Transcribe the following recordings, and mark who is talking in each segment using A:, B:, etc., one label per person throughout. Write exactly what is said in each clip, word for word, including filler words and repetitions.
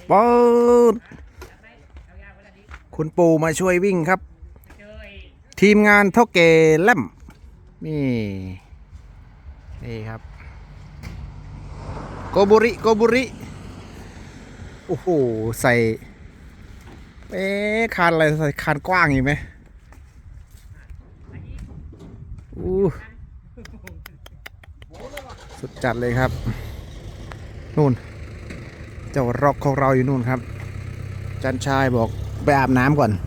A: ป๊ดคุณปู่มาช่วยวิ่งครับ ทีมงานเท่าแก่แล่มนี่นี่ครับโกบุริโกบุริโอ้โหใส่เอ๊ะคานอะไรใส่คานกว้างอยู่ไหมอู้สุดจัดเลยครับนู่นเจ้าร็อกของเราอยู่นู่นครับจันชายบอกไปอาบน้ำก่อน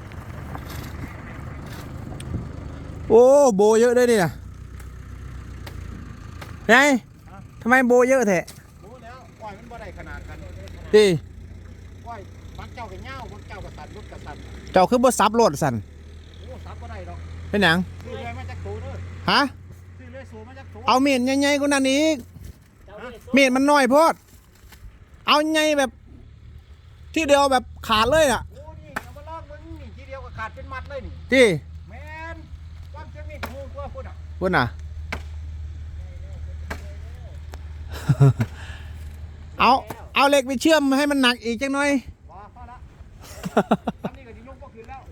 A: โอ้โบเยอะด้วยนี่นะไงทำไมโบเยอะแท้
B: โบแล้วก้อยมันบ่ได้ขนาดกัน
A: ดิ
B: ก้อยบักเจ้ากับเง่าบักเจ้ากับสันรถกับสัน
A: เจ้าคือบ่ซับรถสัน
B: โอ้ซับบ่ได้หรอก
A: เป็นหนัง
B: ซื้อเลยมาจากโถเด้อ
A: ฮะ
B: ซื้อเลยสูมาจากโถ
A: เอาเมียนใหญ่ๆกว่านั้นอีกเมียนมันน้อยโพดเอาใหญ่แบบที่เดียวแบบขาดเลยอ่ะ
B: โอ้นี่เอามาลอกมึงนี่ทีเดียวก็ขาดเป็นมัดเลยนี่
A: ที่
B: แมนความเชื่อมีถูกกว่าพูดอ่ะ
A: พูดน่ะเอาเอาเหล็กไปเชื่อมให้มันหนักอีกจังหน่อย
B: พอพอละทำนี่ก็จะยกพวกคืนแล้ว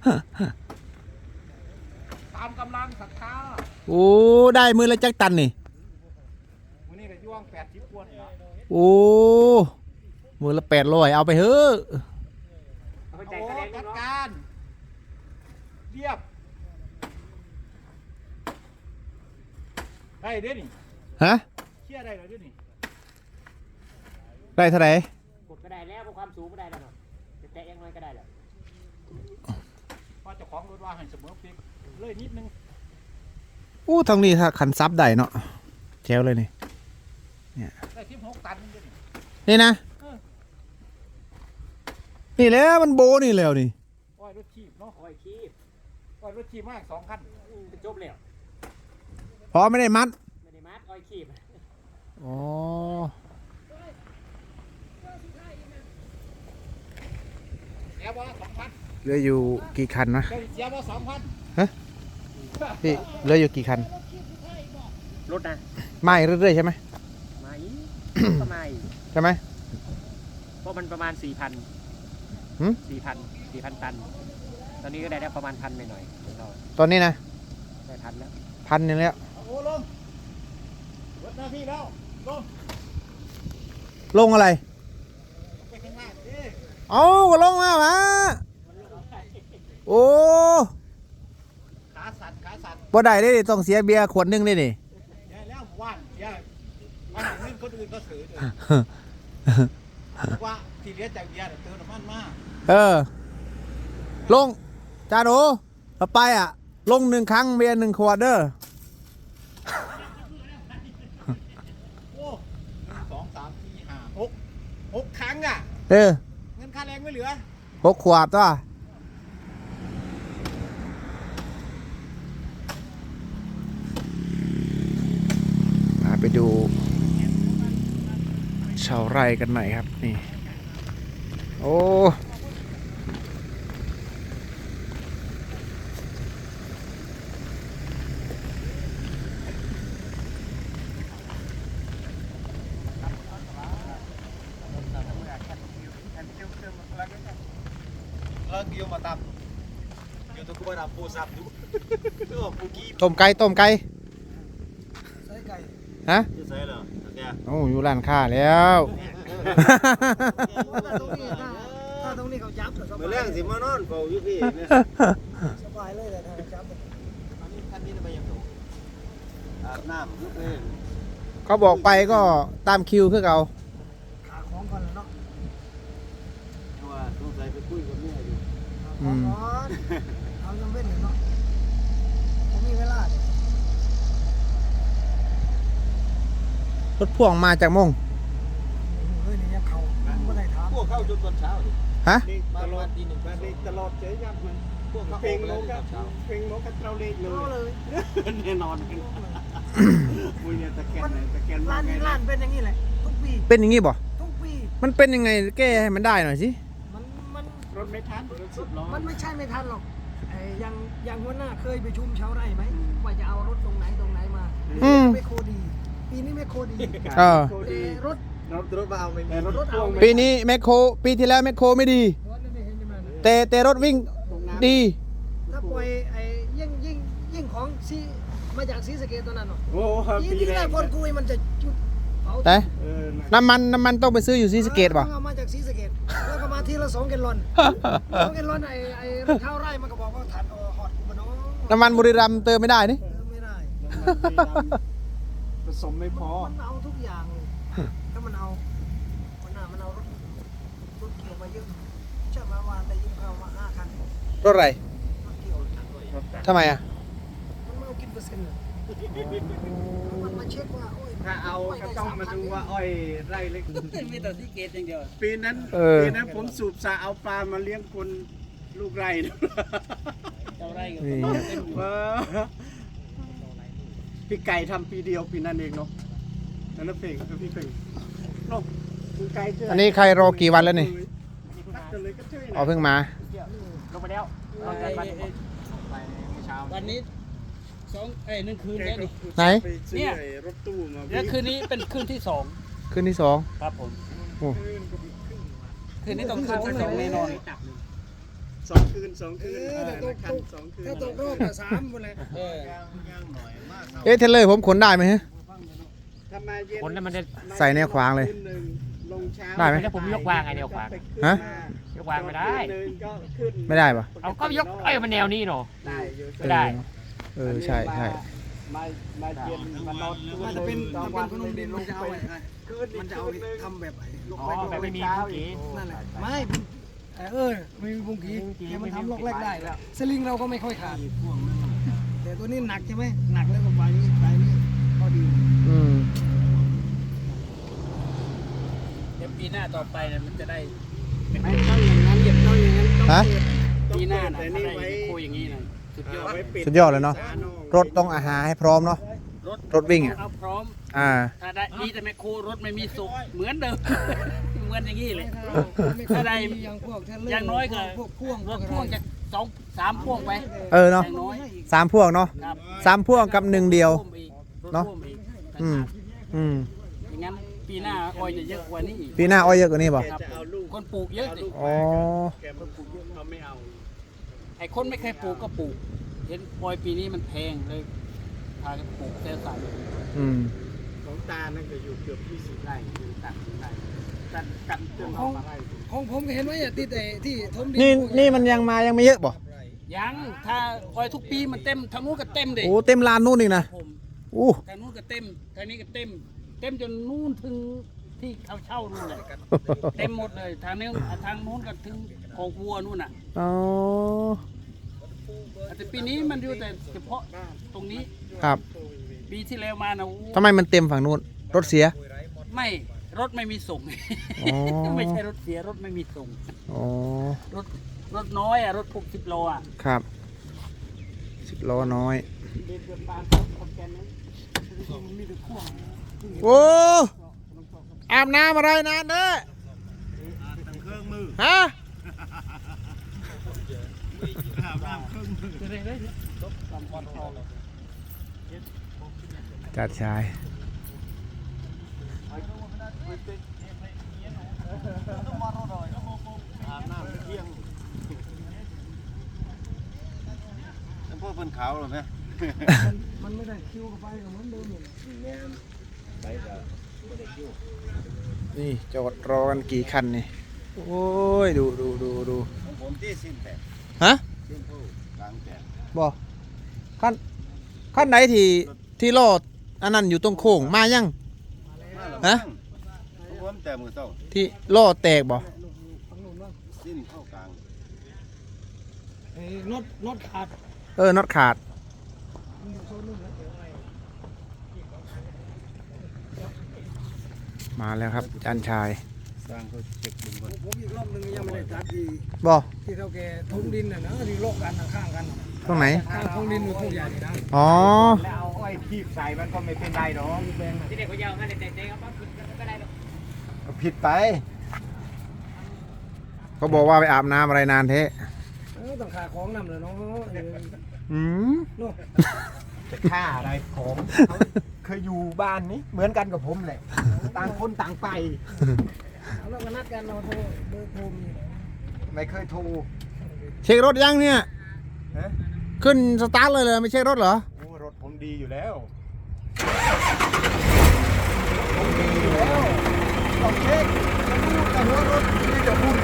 B: ตามกำลังศรัทธา
A: โอ้ได้มือละจักตันนี่
B: วันนี้ก็ย่วงแปดสิบกว่านี่ละ
A: โอ้มือละแปดร้อยเอาไปเถอะ
B: โอ้จัดการเรียบได้เด้นี่
A: ฮะ
B: เชื่อได้เหรอเด้นี่
A: ได้เท่าไหร่
B: กดก็ได้แล้วเพราะความสูงก็ได้แล้วเนาะจะแตะยังไงก็ได้แหละพอเจ้าของรถว่าให้เสมอเพียงเลยนิดนึง
A: อู้ทางนี้ถ้าขันซับได้เนาะแจ๋วเลยนี่เนี่ย
B: ได้สิบหกตันนี่
A: นี่นะนี่แล้วมันโบนี่แล้วนี่
B: อ้อยรถขีบเนาะอ้อยขีบอ้อยรถขีบมากสองคันเป็นจบแล้ว
A: พอไม่ได้มัด
B: ไม่ได้มัดอ้อยขีบ
A: อ๋อ
B: เสียบ่สองพัน
A: เหลืออยู่กี่คันนะ
B: เสียบ่สองพัน
A: ฮะพี่เหลืออยู่กี่คัน
B: รถนะ
A: ไม่เรื่อยๆใช่ไหม
B: ไม่ก็ไม่
A: ใช่ไหม
B: เพราะมันประมาณสี่พันสี่พันสี่พันตันตอนนี้ก็ได้ได้ประมาณพันหน่อย
A: ตอนนี้นะ
B: ได้พันแล้ว
A: พันหนึ่งแล้ว
B: โอ้ลงรถหน้าพี่แล้วลง
A: ลงอะไร
B: ไปข้างหน้าดิ
A: เอาก็ลงมาวะโอ้
B: ขาสั่นขาสั่น
A: บ่ได้ได้ต้องเสียเบียร์ขวดนึงได้ดิ
B: ยายแล้วว่านยายมาหนังเงินคนอื่นก็ถือว่าที่เลี้ยงจากเบียร์เติมน้ำมันมาก
A: เออลงจาโดต่อไปอ่ะลงหนึ่งครั้งเบียร์หนึ่งขวดเด้อ
B: โอ้หนึ่งสองสามสี่ห้าหกหกครั้งอ่ะ
A: เออ
B: เงินค่าแรงไม่เหลือ
A: หกขวดตัวไปดูชาวไร่กันหน่อยครับนี่โอ้
B: เราเกี่ยวมาตับเกี่ยวตัวกูมาตับปูสับดูปูกี้
A: ต้มไก่ต้มไก่
B: ใส่ไก่
A: ฮะ
B: ใส่เหรอ
A: โอ้อยู่ร้านค้าแล้ว
B: ถ้าตรงนี้เขาจับเมื่อแรกสิมานอนเฝ้าอยู่พี่สบายเลยแต่ถ้าจับอันนี้คันนี้ไปยังถูกอาบน้ำยุบเลย
A: เขาบอกไปก็ตามคิวคือเขา
B: ขาของก่อนแล้วเนาะว่าต้องใส่ไปคุยกับแม่อยู่
A: อืม
B: เอายังไม่ถึงเนาะผมมีเวลาร
A: ถพ่วงมาจากมง
B: เฮ้ยนี่ยังเขาไม่ได้ถามพวกเข้าจนตอนเช้าดิ
A: ฮะ
B: ตลอดดีหนึ่งตลอดเจ๊ยับมันพวกเขาเพลงโลกเพลงโลกกันเราเล็กเลยแน่นอนกันมุ้ยเนี่ยตะแกนไหนตะแกนร้านนี้ร้านเป็นอย่างนี้เลยทุกปี
A: เป็นอย่างนี้บ่
B: ทุกปี
A: มันเป็นยังไงแก้ให้มันได้หน่อยสิ
B: มันมันรถไม่ทันรถสุดล้อมันไม่ใช่ไม่ทันหรอกไอ้ยังยังหัวหน้าเคยไปชุมชาวไร่ไหมว่าจะเอารถตรงไหนตรงไหนมาไม่โคดีปีนี้ไม่โคดี
A: เออ
B: รถรถรถเบาไม่มีรถพ่วง
A: ปีนี้แมคโครปีที่แล้วแมคโครไม่ดี แต่แต่รถวิ่งดี
C: ถ้าปล่อยไอ้ยิ่งยิ่งยิ่งของซีมาจากซีสะเกตตัวนั้นเนาะ
B: โอ้โห
C: ยิ่ง
B: ปี
C: ที่
B: แร
C: แร
B: ก
C: กคนกุยมันจะจุดเผา
A: แต่
B: เออ
A: น้ำมันน้ำมันต้องไปซื้ออยู่ซีสะเกตป่ะ
C: เอามาจากซีสะเกตแล้วก็มาทีละสองแกลลอนสองแกลลอนไอ้ไอ้ข้าวไร่มันก็บอกว่าถ่านเอาหอดกูมาเนาะ
A: น้ำมันบุรีรัมย์เติมไม่ได้นี่
C: เออไม่ได้
B: ผสมไม่พอ
C: มันเอาทุกอย่างเลยถ้ามันเอามันน่ามันเอารถรถเกี่ยวมาเยอะเชื่อไหมว่าได้ยินข่าวมาห้าคัน
A: รถอะไร
C: รถเกี่ยว
A: ทำไมอ่ะ
C: มันไม่เอากินเปอร์เซ็นต์เลยมันมาเช็คว่าโอ้ย
B: ถ้าเอาก็ต้องมาดูว่าอ้อยไร่เล็ก
D: มีแต่ที่เกตอย่างเดียว
B: ปีนั้น
A: เออ
B: ปีนั้นผมสูบสาเอาปลามาเลี้ยงคนลูกไร่นะ
D: เจ้าไร่กับ
A: นี่
D: เต็ม
B: เออพี่ไก่ทำปีเดียวปีนั้นเองเนาะนั่นนะเพลงคือพี่เพลงเนาะคุณไก่เจอ
A: อั
B: อั
A: นนี้ใครรอกี่วันแล้วนี่
B: เลยก็เจอ
A: อ๋อเพิ่งมา
D: ลงไปแล้ววันนี้สองเอ้ยหนึ่งคืนแล้วนี่
A: ไหน
D: เนี่ย
B: รถตู้มา
D: แล้วคืนนี้เป็นคืนที่สอง
A: คืนที่สอง
D: ครับผม
A: โอ้
D: คืนนี้ต้องคืนที่สองแน่นอน
B: สองคืนสองคืน
C: เออแต่ตก
B: คั
C: ต
B: น
C: ก
B: สองคืน
C: ถ้าตกรอบอะสามหมดเลย
D: เออ
A: เอ๊ะเทรลเลอร์ผมขนได้ไหมฮะ
B: ถ้ามาเย็น
D: คนนั้นมันจะ
A: ใส่แนวขวางเลย
B: คืนหนึ่งลงเช้า
A: ได้ไหม
D: แล้วผมยกวางไงแนวขวาง
A: ฮะ
D: ยกวางไม่ได้
B: คืนหนึ่งก็ขึ้น
A: ไม่ได้ปะ
D: เอาก็ยกเอ้ยมันแนวนี้เนาะ
B: ได้อยู่
D: ไม่ได้
A: เออใช่ใช่
B: มามาเย็นมานอน
C: มันจะเป็น
B: ตอ
C: มัน
B: วั
C: เป็น
B: น
C: ขนมดินมันจะเอาไอ้
B: คืน
C: มันจะเอาทำแบบไอ้ลูก
D: อ๋อ
C: เล็ก
D: แบบไม่มีผู้กี
C: นั่นแหละไม่เออไม่มีบุ้งกีแกมันทำลูกเล็กได้แล้วสลิงเราก็ไม่ค่อยขาดแต่ตัวนี้หนักใช่ไหมหนักแล้วก็ไปนี่ไปนี่พอดี
A: อืม
D: เดี๋ยวปีหน้าต่อไปเนี่ยมันจะได้
B: ไม่ต้องอย่างนั้นเหยียบต้องอย่างนั้นต้อง
A: ฮะ
B: เปิด
D: ปีหน้าน่ะ
B: แต่
D: ถ้า
B: นี่
D: ได้
B: ไว้
D: คุยอย่างนี้นะสุดยอด
B: เอาไว้ปิ
A: สุดยอดเลยเนาะ
B: ฝนอก
A: รถต้องอาหารให้พร้อมเนาะ
D: รถ
A: รถวิ่งอ่ะ
D: เอาพร้อม
A: อ่า
D: ถ้าได้ดีแต่แมคโครรถไม่มีสุกเหมือนเดิม เหมือนอย่างนี้เลย
C: ถ้าได้อย่างพวกเทรลเลอร์
D: อย่างน้อยก็
C: พวกพ่วง
D: รถพ่วงจะสองสามพ่วงไป
A: เออเนาะ
D: อย่างน้อย
A: สามพวกเนาะ
D: ครับ
A: สามพวกกับหนึ่งเดียว
D: พ่วงอีกรถ
A: เนาะ
D: พ่วงอีก
A: อืมอืม
D: อย่างนั้นปีหน้าออยจะเยอะกว่านี้อีก
A: ปีหน้าอ้อยเยอะกว่านี้ป่ะ
B: แกจะเอาลูก
D: คนปลูกเยอะดิ
A: อ๋อ
B: แกมันปลูกเยอะเขาไม่เอา
D: ไอ้คนไม่เคยปลูกก็ปลูก เห็นปอยปีนี้มันแพงเลยพากันปลูกแต่ใส่
A: อืม
B: ของตานั่นก็อยู่เกือบยี่สิบไร่อยู่ตัดไร่ตัดกันจน
C: ข
B: เอา
C: อง
B: มาไร่
C: ของผมก็เห็นว่าอย่าติดไอ้ที่ทมดิ
A: นี่นี่มันยังมายังไม่เยอะป่ะ
D: ยังถ้าออยทุกปีมันเต็มทางนู้นก็เต็มเด็
A: โอ้เต็มลานนู่นอีกนะ
D: ผม
A: อู้
D: ทางนู้นก็เต็มทางนี้ก็เต็ม เต็มจนนู่นถึงที่เขาเช่านู่นเลยเต็มหมดเลยทางนี้ทางนู้นก็ถึงโคกวัวนู่นน่ะ
A: อ๋อ
D: แต่ปีนี้มันอยู่แต่เฉพาะตรงนี้
A: ครับ
D: ปีที่แล้วมานะโอ้
A: ทำไมมันเต็มฝั่งนู้นรถเสีย
D: ไม่รถไม่มีส่ง
A: อ๋อ
D: ไม่ใช่รถเสียรถไม่มีส่ง
A: อ๋อ
D: รถรถน้อยอ่ะรถพวกสิบโลอ่ะ
A: ครับสิบล้อน้อย
B: เดินเดินบานคนแกนนั้นมันมีแต่ข่วง
A: โอ้อาบน้ำอะไรนานเด้อ
B: เครื่องมือ
A: ฮะ
B: อาบน้ำเครื่องมือ
D: จะได้ได้รถตามคอนทอง
A: จัดชาย
B: อาบน้ำเที่ยง
E: แล้วพวกเพิ่นขาวหรอไหม
C: มันไม่ได้คิวกับไปก็เหมือนเดิมอยู่
A: นี่จอดรอกันกี่คันนี่โอ้ยดูดูดูดู
E: ของผมที่สิ้นแตก
A: ฮะ
E: สิ้นผู้กลางแตก
A: บอกขั้นขั้นไหนที่ที่รอดอันนั้นอยู่ตรงโค้งมายัง
E: มาแล้ว
A: ฮะ
E: ของผมแต่มือเต้า
A: ที่ล่อแตกบ่
C: ฝั่งนู้นว่า
E: สิ้นเข้ากลาง
C: ไอ้รถรถขาด
A: เออน็อตขาด
C: มันอยู่โซนนู้นนะ
A: มาแล้วครับจันชาย
E: สร้างเขาเช็คดึงก่อน
C: ผมอีกรอบหนึงยังไม่ได้ตัดที่
A: บ่
C: ที่เท่าแกทุ่งดินน่ะนะที่โลกกันข้างๆกันน่ะ
A: ตรงไหน
C: ข้างทุ่งดินอยู่ทุ่งใหญ่นี่นะ
A: อ๋อ
B: แล้วเอาอ้อยทีบใส่มันก็ไม่เป็นไรหรอก
D: ที่เด็กเขายาวกันเด็กๆเขาก็ได้หรอก
E: ก็ผิดไป
A: เขาบอกว่าไปอาบน้ำอะไรนานเทะ
C: เออต้องขาของนำเลยเนาะเออ
A: อืม
C: เนาะ
B: จะฆ่าอะไรผม
C: เ
B: เคยอยู่บ้านนี้เหมือนกันกับผมแหละ ต่างคนต่างไป
C: เอาเราก็นัดกันเราโทรเบอร์โทรมี
B: ไม่เคยโทร
A: เช็ครถยังเนี่ย
B: ฮะ
A: ขึ้นสตาร์ทเลยเลยไม่เช็ครถเหรอ
B: โอ้รถผมดีอยู่แล้วผมดีอยู่แล้วต้องเช็คจะพูดแต่หัวรถนี่จะพูด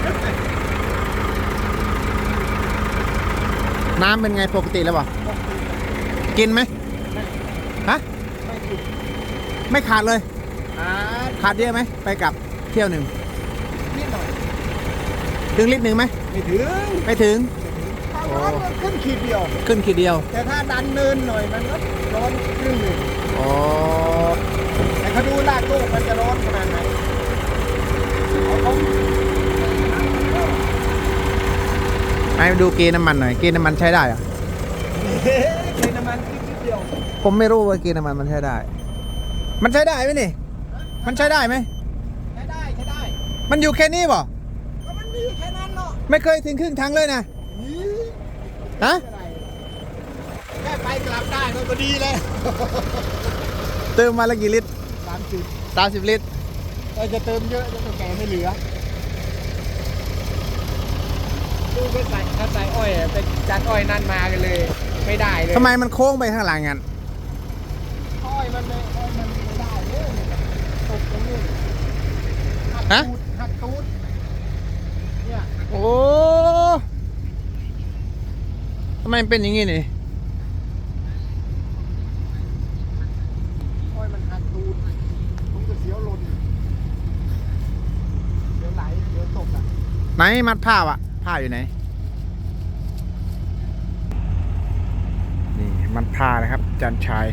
A: น้ำเป็นไงปกติแล้วป่ะกินไหมฮะ
B: ไม่ผิด
A: ไม่ขาดเลย
B: อ่า
A: ขาดเยอะไหมไปกลับเที่ยวหนึ่ง
B: นิดหน่อย
A: ถึงลิตรหนึ่งไหม
B: ไม่ถึง
A: ไม่ถึง
B: ถ้าร้อนมันขึ้นขีดเดียว
A: ขึ้นขีดเดียว
B: แต่ถ้าดันเนินหน่อยมันก็ร้อนครึ่งหนึ่ง
A: อ๋อ
B: แต่เขาดูลากโลกมันจะร้อนขนาดไหนเอาเขา
A: ให้ดูเกณฑ์น้ำมันหน่อยเกณฑ์น้ำมันใช้ได้เหรอะ
B: เฮ้ยเป็นน้ำมันนิดเดียว
A: ผมไม่รู้ว่าเกณฑ์น้ำมันมันใช้ได้ มันใช้ได้ไหมนี่ มันใช้ได้ไหม
B: ใช้ได้ใช้ได้
A: มันอยู่แค่นี้ป่ะ
B: ก็มันมีแค่นั้นเนาะ
A: ไม่เคยถึงครึ่งทางเลยนะ
B: นี่
A: ฮะ
B: แค่ไปกลับได้ก็ดีเลย
A: เติมมาละกี่ลิตร
B: สามสิบ
A: สามสิบลิตร
B: เราจะเติมเยอะจะแก่ไม่เหลือดูไปใส่ถ้าใส่อ้อยอะไปจัดอ้อยนั่นมากันเลย ไม่ได้เลย
A: ทำไมมันโค้งไปข้างหลังงั้น
B: อ้อยมันไม่อ้อยมันไม่ได้เลยตกตรงนี้หัก
A: ฮะ
B: ตูดหักตูดเนี่ย
A: โอ้ทำไมมันเป็นอย่างงี้นี่
B: อ้อยมันหักตูดผมจะเสียวหล่นเดี๋ยวไหลเดี๋ยวตกอ่ะ
A: ไหนมัดผ้าอะผ้าอยู่ไหน นี่มัดผ้านะครับจันชาย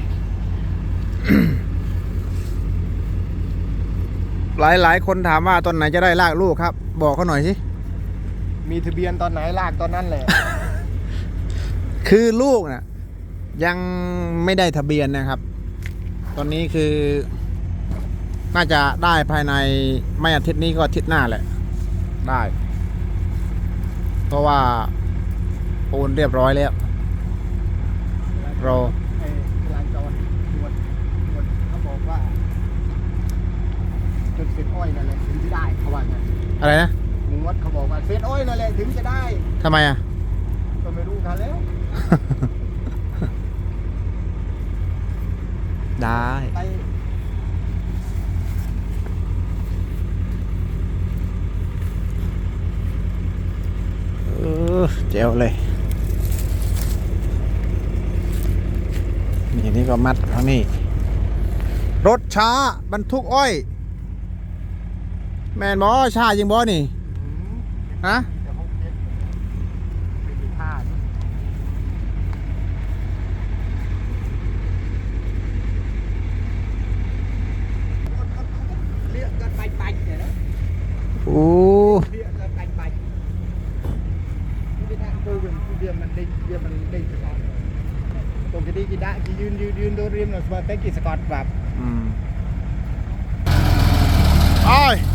A: หลายหลายคนถามว่าตอนไหนจะได้ลากลูกครับ บอกเขาหน่อยสิ
B: มีทะเบียนตอนไหนลากตอนนั้นแหละ
A: คือลูกน่ะยังไม่ได้ทะเบียนนะครับ ตอนนี้คือ น่าจะได้ภายในไม่อาทิตย์นี้ก็อาทิตย์หน้าแหละ ได้ เพราะว่าโอนเรียบร้อยแล้ว รอ
B: ไอ้ลานจอดตรวจตรวจเขาบอกว่าจุดเฟซอ้อยนั่นแหละถึงจะได้เขาว่าไง
A: อะไรนะ
B: มึงวัดเขาบอกว่าเฟซอ้อยนั่นแหละถึงจะได้
A: ทำไมอ่ะ
B: ก็ไม่รู้กันแล้ว
A: ได้
B: ไป
A: เออเจ๋วเลย นี่นี่ก็มัดทางนี้ รถช้าบรรทุกอ้อย แมนบอช้าจริงบอนี่ ฮะ
B: เดี๋ยวเขาเช็คไม่มีผ้าด้วยเรียกกันไปไปเดี๋ยวนะ
A: โอ้
B: เรียกกันไปไปไม่ได้ตัวเวียนเวียนมันเด้งเวียนมันเด้งสกอตตรงที่ดีกี่ได้กี่ยืนยืนยืนโดนเรียมหน่อยสปอร์ตเต็กกี่สกอตแบบ
A: อืมอ้อย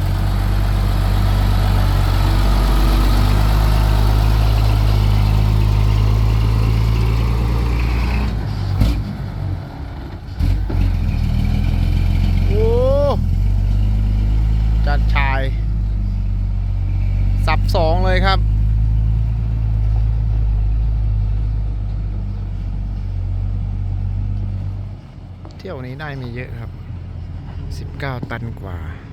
A: โอ้จัดชาย สับสองเลยครับ เที่ยวนี้ได้มีเยอะครับ สิบเก้า ตันกว่า